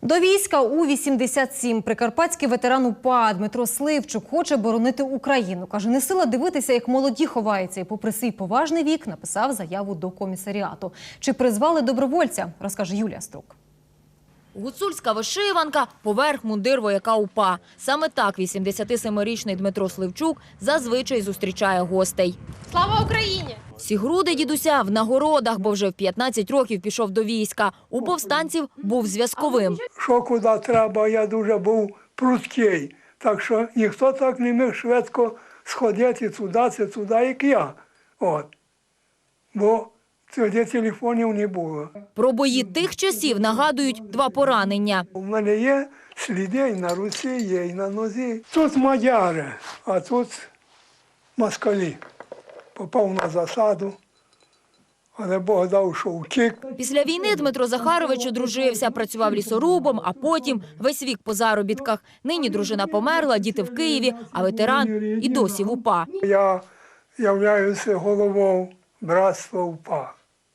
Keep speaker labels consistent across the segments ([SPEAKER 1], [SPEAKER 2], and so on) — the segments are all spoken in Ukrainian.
[SPEAKER 1] До війська у 87 прикарпатський ветеран УПА Дмитро Сливчук хоче боронити Україну. Каже, не сила дивитися, як молоді ховаються. І попри свій поважний вік написав заяву до комісаріату. Чи призвали добровольця, розкаже Юлія Струк.
[SPEAKER 2] Гуцульська вишиванка – поверх мундир вояка УПА. Саме так 87-річний Дмитро Сливчук зазвичай зустрічає гостей.
[SPEAKER 3] Слава Україні!
[SPEAKER 2] Всі груди дідуся в нагородах, бо вже в 15 років пішов до війська. У повстанців був зв'язковим.
[SPEAKER 4] Що куди треба, я дуже був прудкий. Так що ніхто так не міг швидко сходити туди, як я. От. Бо тоді телефонів не було.
[SPEAKER 2] Про бої тих часів нагадують два поранення.
[SPEAKER 4] У мене є сліди і на руці, є і на нозі. Тут мадяри, а тут москалі. Попав на засаду, але Бог дав, що втік.
[SPEAKER 2] Після війни Дмитро Захарович одружився, працював лісорубом, а потім весь вік по заробітках. Нині дружина померла, діти в Києві, а ветеран і досі в УПА.
[SPEAKER 4] Я являюся головою братства УПА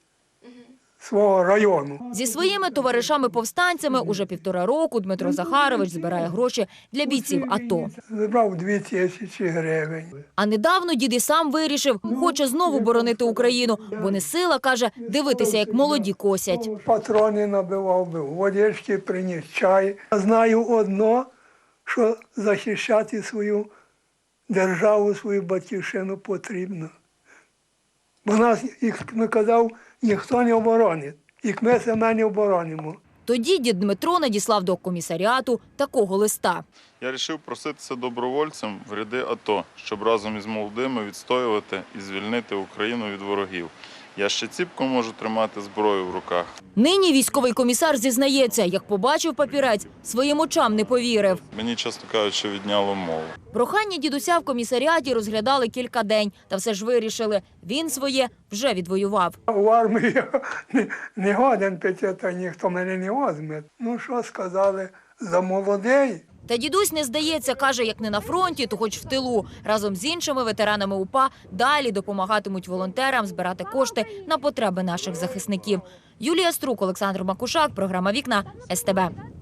[SPEAKER 4] свого району.
[SPEAKER 2] Зі своїми товаришами-повстанцями уже 1,5 року Дмитро Захарович збирає гроші для бійців АТО.
[SPEAKER 4] Забрав 2000 гривень.
[SPEAKER 2] А недавно дід і сам вирішив, хоче знову боронити Україну, бо не сила, каже, дивитися, як молоді косять.
[SPEAKER 4] Патрони набивав би, водички приніс, чай. Я знаю одно, що захищати свою державу, свою батьківщину потрібно. Бо нас, як не казав, ніхто не оборонить, як ми себе не оборонимо.
[SPEAKER 2] Тоді дід Дмитро надіслав до комісаріату такого листа.
[SPEAKER 5] Я вирішив проситися добровольцем в ряди АТО, щоб разом із молодими відстоювати і звільнити Україну від ворогів. Я ще ціпко можу тримати зброю в руках.
[SPEAKER 2] Нині військовий комісар зізнається, як побачив папірець, своїм очам не повірив.
[SPEAKER 5] Мені, чесно кажучи, відняло мову.
[SPEAKER 2] Прохання дідуся в комісаріаті розглядали кілька день, та все ж вирішили, він своє вже відвоював.
[SPEAKER 4] У армії я не годен піти, та ніхто мене не возьме. Ну що сказали, за молодий.
[SPEAKER 2] Та дідусь не здається, каже, як не на фронті, то хоч в тилу. Разом з іншими ветеранами УПА далі допомагатимуть волонтерам збирати кошти на потреби наших захисників. Юлія Струк, Олександр Макушак, програма «Вікна», СТБ.